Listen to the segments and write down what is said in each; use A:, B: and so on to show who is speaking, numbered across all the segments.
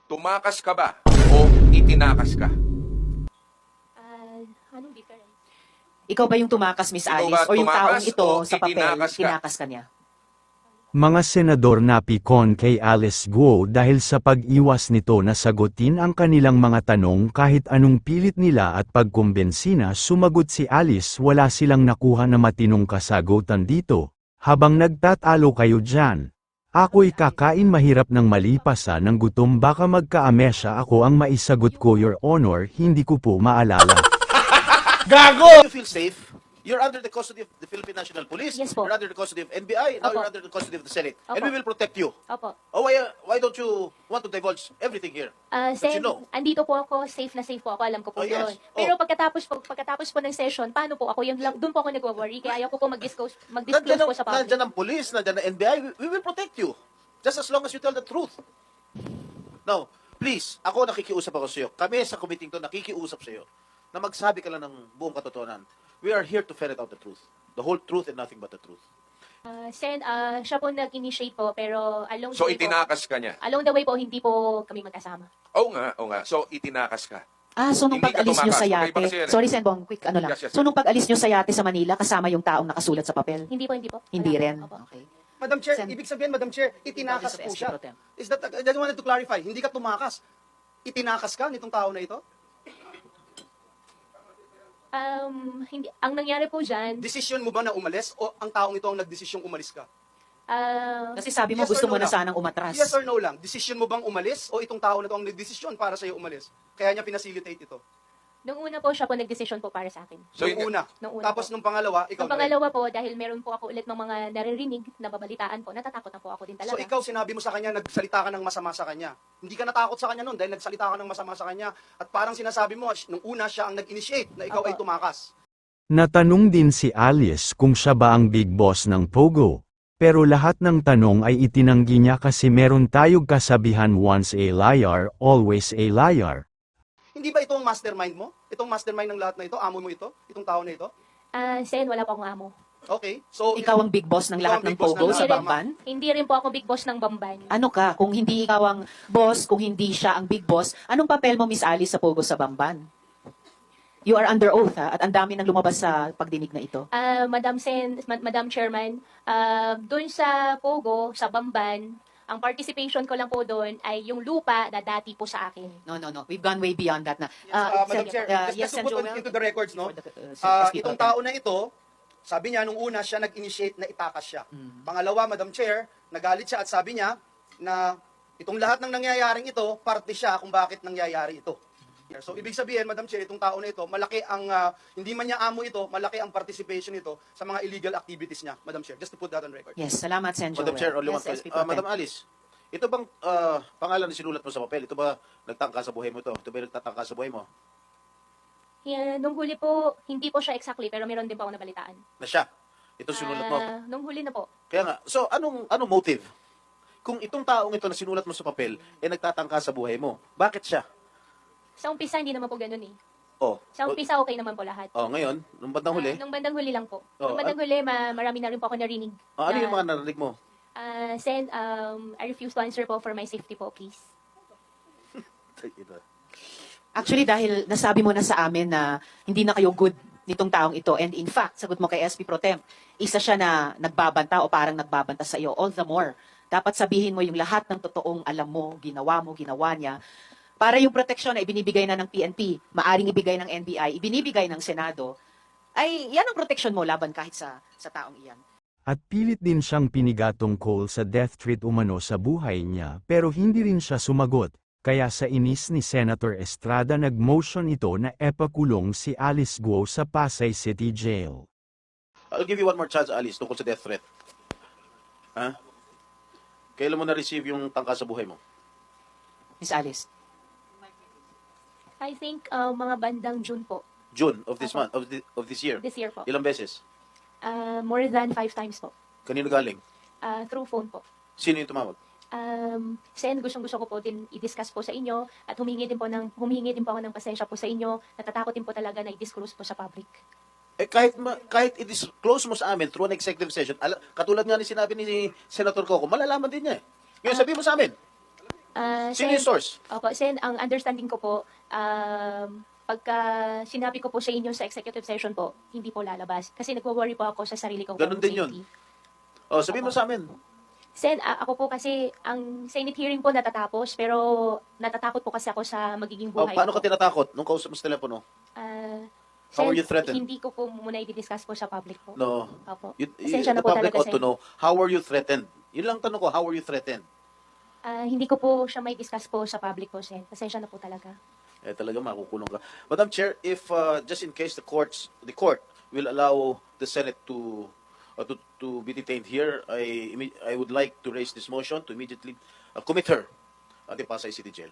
A: Tumakas ka ba o itinakas ka?
B: Anong difference?
C: Ikaw ba yung tumakas, Miss
A: Ikaw
C: Alice?
A: ba
C: O yung taong
A: tumakas
C: ito
A: o
C: sa papel,
A: itinakas ka?
C: tinakas ka niya?
D: Mga senador napikon kay Alice Guo dahil sa pag-iwas nito na sagutin ang kanilang mga tanong kahit anong pilit nila at pagkumbensina sumagot si Alice wala silang nakuha na matinong kasagutan dito. Habang nagtatalo kayo dyan. Ako'y kakain mahirap ng malipasan ng gutom baka magka-amnesia ako ang maisagot ko Your Honor hindi ko po maalala.
E: You feel safe? You're under the custody of the Philippine National Police.
B: Yes po.
E: You're under the custody of NBI. Now
B: Opo.
E: you're under the custody of the Senate. And
B: Opo.
E: we will protect you.
B: Opo.
E: Oh, why don't you want to divulge everything here?
B: Sen,
E: you know.
B: andito po ako, safe na safe po ako, alam ko po
E: Oh, yes.
B: yun. Pero pagkatapos po ng session, paano po ako, doon po ako nagwa-worry, kaya ayaw ko po mag-disclose po sa public.
E: Nandyan ang police, nandyan ang NBI. We will protect you. Just as long as you tell the truth. Now, please, ako nakikiusap ako sa iyo. Kami sa committee to nakikiusap sa iyo na magsabi ka lang ng buong katotohanan. We are here to ferret out the truth. The whole truth and nothing but the truth.
B: Sen, siya po nag-initiate po, pero along
A: So
B: the way po,
A: itinakas ka niya?
B: along the way po, hindi po kami magkasama.
A: Oo nga. So itinakas ka.
C: So nung
A: Hindi ka
C: pag-alis nyo
A: tumakas.
C: sa
A: Okay,
C: yate,
A: baka siya-
C: sorry Senbong, quick ano lang.
A: Yes.
C: So nung pag-alis nyo sa yate sa Manila, kasama yung taong nakasulat sa papel?
B: Hindi po.
C: Hindi
B: Wala
C: rin?
B: po. Opo.
C: Okay.
F: Madam Chair,
C: Sen-
F: ibig sabihin, Madam Chair, itinakas
C: Office of
F: po
C: SP
F: siya.
C: Pro Tem.
F: Is that, I just wanted to clarify, hindi ka tumakas. Itinakas ka nitong tao na ito?
B: Hindi, ang nangyari po dyan,
F: Desisyon mo ba na umalis o ang taong ito ang nagdesisyong umalis ka?
C: Kasi sabi mo
F: Yes
C: gusto
F: or no
C: mo na
F: lang?
C: sanang umatras.
F: Yes or no lang? Desisyon mo bang umalis o itong tao na ito ang nagdesisyon para sa'yo umalis? Kaya niya pinacilitate ito.
B: nung una po siya po nag-decision po para sa akin.
A: So,
F: Nung una.
B: Nung una
F: Tapos
B: po.
F: nung pangalawa, ikaw
B: Nung
F: na rin.
B: pangalawa po, dahil meron po ako ulit ng mga naririnig na babalitaan po, natatakot na po ako din talaga.
F: So ikaw, sinabi mo sa kanya, nagsalita ka ng masama sa kanya. Hindi ka natakot sa kanya noon dahil nagsalita ka ng masama sa kanya. At parang sinasabi mo, nung una siya ang nag-initiate na ikaw
B: Opo.
F: ay tumakas.
D: Natanong din si Alice kung siya ba ang big boss ng Pogo. Pero lahat ng tanong ay itinanggi niya kasi meron tayong kasabihan once a liar, always a liar.
F: Hindi ba ito ang mastermind mo? Itong mastermind ng lahat na ito? Amo mo ito? Itong tao na ito?
B: Sen, wala po akong amo.
F: Okay. So,
C: Ikaw ang big boss ng
F: Ikaw
C: lahat
F: ang
C: ng
F: big boss
C: Pogo
F: ng
C: sa
F: lahat.
C: Bamban?
B: Hindi rin po ako big boss ng Bamban.
C: Ano ka? Kung hindi ikaw ang boss, kung hindi siya ang big boss, anong papel mo, Miss Alice, sa Pogo sa Bamban? You are under oath, ha? At ang dami nang lumabas sa pagdinig na ito.
B: Madam Chairman, doon sa Pogo, sa Bamban, ang participation ko lang po doon ay yung lupa na dati po sa akin.
C: No. We've gone way beyond that na.
F: Madam Chair,
C: yes,
F: just to
C: Sen.
F: put
C: Joel?
F: into the records, no?
C: For the, SP
F: Itong
C: Pro Tem.
F: tao na ito, sabi niya, nung una siya nag-initiate na itakas siya.
C: Mm.
F: Pangalawa, Madam Chair, nagalit siya at sabi niya na itong lahat ng nangyayaring ito, parte siya kung bakit nangyayari ito. So, ibig sabihin, Madam Chair, itong tao na ito, malaki ang, hindi man niya amo ito, malaki ang participation nito sa mga illegal activities niya, Madam Chair. Just to put that on record.
C: Yes, salamat, Sen. Joel.
E: Madam Chair, only one
C: Yes, SP
E: question.
C: Pro Tem.
E: Madam Alice, ito bang pangalan na sinulat mo sa papel? Ito ba nagtangka sa buhay mo ito? Ito ba nagtatangka sa buhay mo?
B: Nung huli po, hindi po siya exactly, pero meron din po ako nabalitaan.
E: Na siya? Ito sinulat mo?
B: Nung huli na po.
E: Kaya nga, so anong motive? Kung itong taong ito na sinulat mo sa papel, nagtatangka sa buhay mo, bakit siya?
B: Sa umpisa, hindi naman po ganun eh.
E: Oh,
B: Sa umpisa, okay naman po lahat.
E: ngayon, nung bandang huli,
B: Nung bandang huli lang po.
E: Oh,
B: Nung bandang huli, marami na rin po ako narinig.
E: ano yung mga narinig mo?
B: Sen, I refuse to answer po for my safety po, please.
C: Actually, dahil nasabi mo na sa amin na hindi na kayo good nitong taong ito, and in fact, sagot mo kay SP Pro Tem, isa siya na nagbabanta o parang nagbabanta sa iyo, all the more. Dapat sabihin mo yung lahat ng totoong alam mo, ginawa niya, para yung proteksyon na ibinibigay na ng PNP, maaring ibigay ng NBI, ibinibigay ng Senado, ay yan ang proteksyon mo laban kahit sa taong iyan.
D: At pilit din siyang pinigatong call sa death threat umano sa buhay niya pero hindi rin siya sumagot. Kaya sa inis ni Senator Estrada nag-motion ito na epakulong si Alice Guo sa Pasay City Jail.
E: I'll give you one more chance, Alice, tungkol sa death threat. Ha? Kailan mo na-receive yung tangka sa buhay mo?
C: Miss Alice.
B: I think mga bandang June po.
E: June of this
B: Opo.
E: month, of this year.
B: This year po.
E: Ilang beses?
B: More than 5 times po.
E: Kanino galing?
B: Through phone po.
E: Sino yung tumawag?
B: Sen, gustong-gusto ko po din i-discuss po sa inyo at humingi din po ako ng pasensya po sa inyo. Natatakot din po talaga na i-disclose po sa public.
E: Kahit i-disclose mo sa amin through an executive session, katulad nga ni sinabi ni Senator Coco, malalaman din niya eh. Ngayon sabihin mo sa amin. Sino yung source?
B: Opo, Sen, ang understanding ko po, pagka sinabi ko po sa inyo sa executive session po, hindi po lalabas. Kasi nagwo-worry po ako sa sarili kong
E: Ganun din yun.
B: safety.
E: Oh, sabihin mo sa amin.
B: Sen, ako po kasi, ang Senate hearing po natatapos, pero natatakot po kasi ako sa magiging
E: Oh,
B: buhay
E: paano
B: ko.
E: ka tinatakot nung kausap mo sa telepono? How
B: Sen,
E: were you threatened?
B: Hindi ko po muna i-discuss po sa public po.
E: No.
B: Opo.
E: The
B: Pasensya na po
E: public
B: talaga,
E: ought to
B: Sen.
E: know, how were you threatened? Yun lang tanong ko, how were you threatened?
B: Hindi ko po siya may discuss po sa public po, Sen. Pasensya na po talaga.
E: Eh, talaga makukulong ka. Madam Chair, if just in case the court will allow the Senate to be detained here, I would like to raise this motion to immediately commit her at the Pasay City Jail.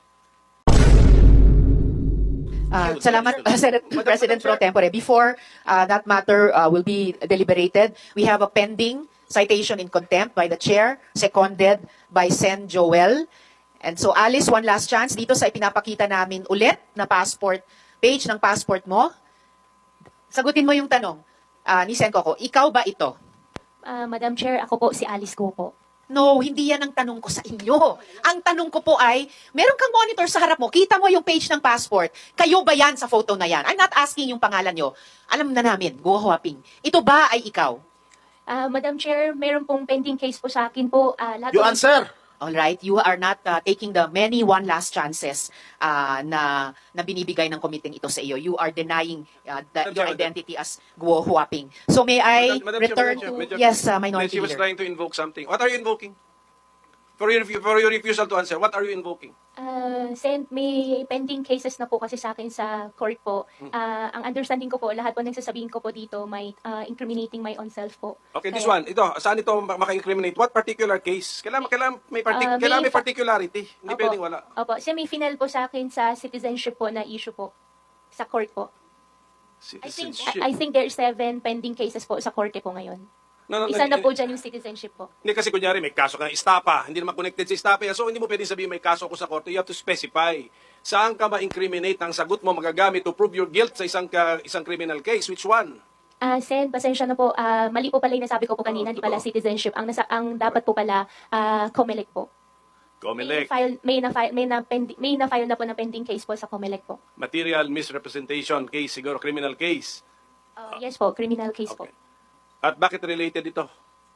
C: Salamat, Senate
E: Madam
C: President Pro
E: Chair.
C: Tempore. Before that matter will be deliberated, we have a pending citation in contempt by the chair, seconded by Sen Joel. And so, Alice, one last chance dito sa ipinapakita namin ulit na passport, page ng passport mo. Sagutin mo yung tanong ni Sen Coco, ikaw ba ito?
B: Madam Chair, ako po si Alice Go po.
C: No, hindi yan ang tanong ko sa inyo. Ang tanong ko po ay, meron kang monitor sa harap mo, kita mo yung page ng passport. Kayo ba yan sa photo na yan? I'm not asking yung pangalan nyo. Alam na namin, Go Huaping. Ito ba ay ikaw?
B: Madam Chair, meron pong pending case po sa akin po. Lahat
E: You
B: po-
E: answer!
C: All right, you are not taking the many one last chances na binibigay ng committee ito sa iyo. You are denying your identity as Guo Huaping. So may I
G: Madam
C: return
G: Chair,
C: to
G: Madam Chair,
C: yes,
G: Then
C: Minority
G: she was
C: Leader.
G: trying to invoke something. What are you invoking? For your refusal to answer, what are you invoking?
B: Sen, may pending cases na po kasi sa akin sa court po. Ang understanding ko po, lahat po nagsasabihin ko po dito, may incriminating my own self po.
G: Okay, this
B: Kaya-
G: one. Ito, saan ito maka-incriminate? What particular case? Kailangan may kailangan may particularity. Hindi
B: Opo.
G: pwedeng wala.
B: Opo, kasi may final po sa akin sa citizenship po na issue po. Sa court po.
G: Citizenship.
B: I think there are 7 pending cases po sa korte po ngayon.
G: No,
B: Isa na po dyan yung citizenship po.
G: Hindi kasi kunyari may kaso kang istapa, hindi naman connected sa istapa yan. So hindi mo pwedeng sabihin may kaso ako sa korte. You have to specify. Saan ka ma-incriminate ang sagot mo magagamit to prove your guilt sa isang criminal case? Which one?
B: Sen, pasensya na po. Mali po pala yung nasabi ko po kanina, di pala
G: totoo.
B: citizenship. Ang dapat po pala, COMELEC po.
G: COMELEC.
B: May na-file na po na pending case po sa COMELEC po.
G: Material misrepresentation case, siguro criminal case.
B: Yes po, criminal case po.
G: Okay. At bakit related ito?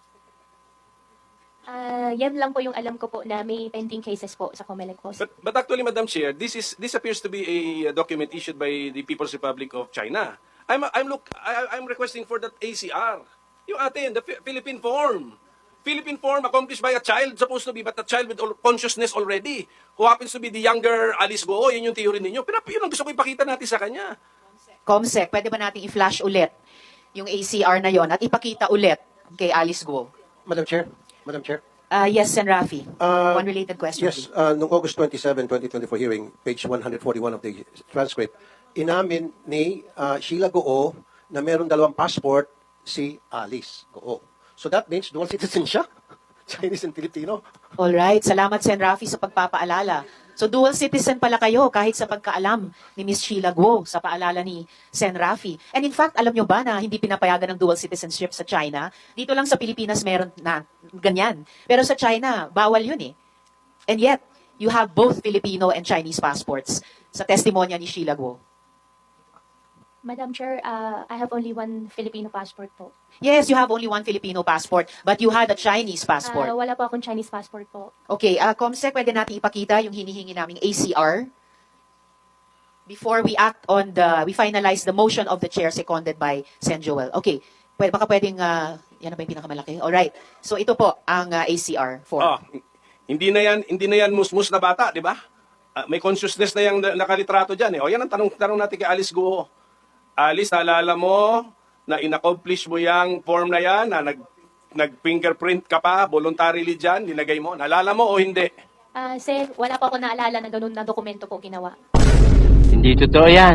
B: Yan lang po yung alam ko po na may pending cases po sa COMELEC po.
G: But actually, Madam Chair, this appears to be a document issued by the People's Republic of China. I'm requesting for that ACR. Yung atin, the Philippine form. Philippine form accomplished by a child supposed to be, but a child with consciousness already, who happens to be the younger Alice Go. Yun yung theory ninyo. Pero yun ang gusto ko ipakita natin sa kanya.
C: Comsec, pwede ba nating i-flash ulit yung ACR na yon at ipakita ulit kay Alice Guo?
H: Madam Chair.
C: Yes, Sen. Rafi. One related question.
H: Yes, noong August 27, 2024 hearing, page 141 of the transcript, inamin ni Sheila Goo na meron 2 passport si Alice Goo. So that means dual citizen siya, Chinese and Filipino.
C: All right, salamat Sen. Rafi sa pagpapaalala. So dual citizen pala kayo kahit sa pagkaalam ni Miss Sheila Guo sa paalala ni Sen. Rafi. And in fact, alam nyo ba na hindi pinapayagan ng dual citizenship sa China? Dito lang sa Pilipinas meron na ganyan. Pero sa China, bawal yun eh. And yet, you have both Filipino and Chinese passports sa testimonya ni Sheila Guo.
B: Madam Chair, I have only 1 Filipino passport po.
C: Yes, you have only 1 Filipino passport, but you had a Chinese passport.
B: Wala po akong Chinese passport po.
C: Okay, Comsec, pwede natin ipakita yung hinihingi naming ACR before we act on we finalize the motion of the chair seconded by Sen. Joel. Okay, baka pwedeng, yan na ba yung pinakamalaki? Alright, so ito po ang ACR for.
G: Hindi na yan musmus na bata, di ba? May consciousness na yung nakalitrato dyan eh. O yan ang tanong natin kay Alice Guo. Alice, naalala mo na in-accomplish mo yung form na yan, na nag-fingerprint ka pa, voluntarily dyan, nilagay mo. Naalala mo o hindi?
B: Sen, wala po ako naalala na ganun na dokumento po ginawa.
I: Hindi totoo yan.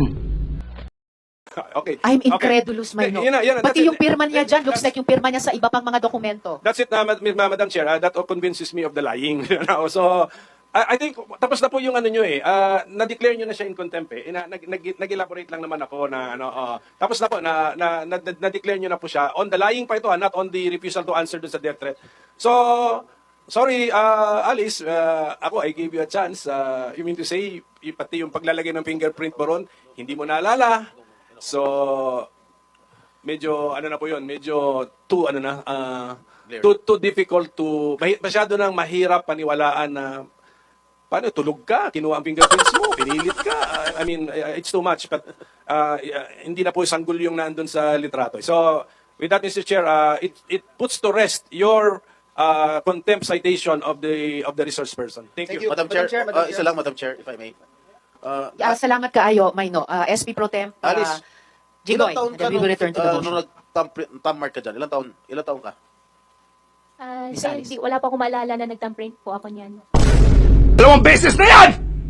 G: Okay.
C: I'm
G: Okay.
C: incredulous, Mayno.
G: Yun na,
C: Pati
G: that's
C: yung
G: it.
C: pirma niya dyan, looks like yung pirma niya sa iba pang mga dokumento.
G: That's it, Madam Chair. That convinces me of the lying. So, I think, tapos na po yung ano nyo eh. Na-declare nyo na siya in contempt eh. Nag-elaborate lang naman ako na, tapos na po, na-declare nyo na po siya. On the lying pa ito, not on the refusal to answer dun sa death threat. So, Sorry, Alice, ako, I gave you a chance. You mean to say, pati yung paglalagay ng fingerprint mo ron, hindi mo naalala. So, medyo, ano na po yun, medyo too, too difficult to, masyado nang mahirap paniwalaan na, paano, tulog ka, kinuha ang fingerprints mo, pinilit ka. I mean, it's too much, but hindi na po sanggol yung nandun sa litrato. So, with that, Mr. Chair, it puts to rest your contempt citation of the resource person. Thank you.
E: Madam Chair, isa lang, Madam Chair, if I may.
C: Salamat kaayo, Mayno. SP Pro Temp,
E: Alice,
C: Jigoy,
E: ilang taon
C: and then we will return to the motion.
E: nung nag-thumb mark ka dyan? Ilang taon ka?
C: Miss
B: Sir,
C: Alice.
B: wala pa akong maalala na nagtamprint po ako niyan.
A: Dalawang beses na yan!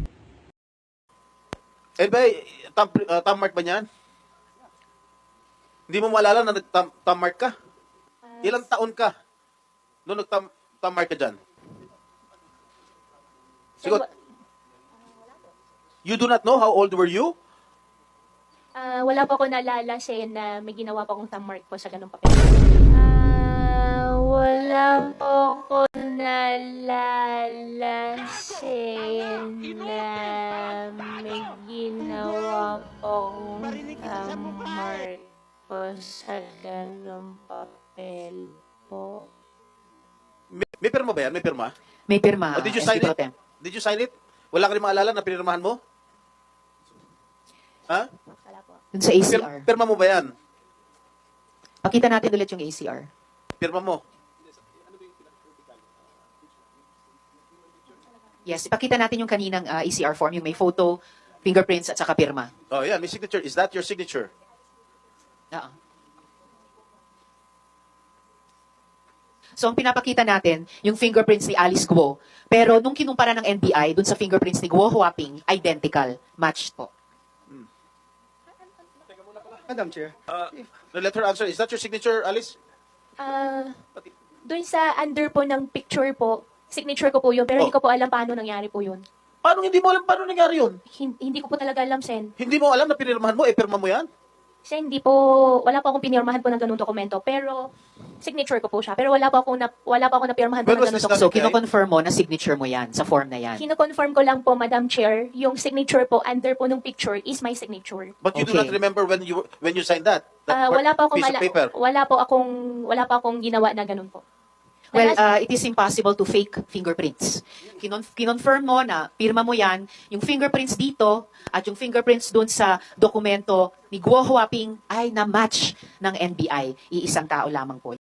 E: Eh ba, thumb mark ba niyan? Hindi mo maalala na nag-thumb mark ka? Ilang taon ka nung nag-thumb mark ka dyan?
B: Sir,
E: Sigot. You do not know how old were you?
B: wala pa ako naalala, Sen, na may ginawa pa akong thumb mark po sa ganung papel. Wala po ako naalala, Sen, na may ginawa po akong thumb mark po sa ganung papel po.
E: May pirma ba yan? May pirma?
C: May pirma,
E: Oh, did you
C: SP
E: sign
C: Pro
E: it?
C: Temp.
E: Did you sign it? Wala ka rin maalala na pinirmahan mo? Ha?
B: Wala po.
C: Dun sa ACR.
E: Pirma mo ba yan?
C: Pakita natin ulit yung ACR.
E: Pirma mo.
C: Yes, ipakita natin yung kaninang ACR form, yung may photo, fingerprints, at saka pirma.
E: Oh, yeah, may signature. Is that your signature?
C: Oo. So, ang pinapakita natin, yung fingerprints ni Alice Guo. Pero nung kinumpara ng NBI, dun sa fingerprints ni Guo Huaping, identical. Matched po.
F: Madam Chair.
E: No, let her answer. Is that your signature, Alice?
B: Doon sa under po ng picture po, signature ko po yun, pero hindi ko po alam paano nangyari po yun.
E: Paano hindi mo alam paano nangyari yun?
B: Hindi ko po talaga alam, Sen.
E: Hindi mo alam na pinirmahan mo, pirma mo yan?
B: Sen, hindi po, wala pa akong pinirmahan po ng ganung dokumento, pero signature ko po siya. Pero wala pa akong napirmahan po
E: When
B: ng
E: was
B: ganung
E: this
B: dokumento.
C: So,
E: Okay.
C: kino-confirm mo na signature mo yan, sa form na yan.
B: Kino-confirm ko lang po, Madam Chair, yung signature po under po ng picture is my signature.
E: But you do
C: Okay.
E: not remember when you signed that?
B: Wala pa akong
E: piece of paper?
B: wala pa akong ginawa na ganun po.
C: Well, it is impossible to fake fingerprints. Kinonfirm mo na pirma mo yan, yung fingerprints dito at yung fingerprints dun sa dokumento ni Guo Huaping ay na-match ng NBI. Iisang tao lamang po.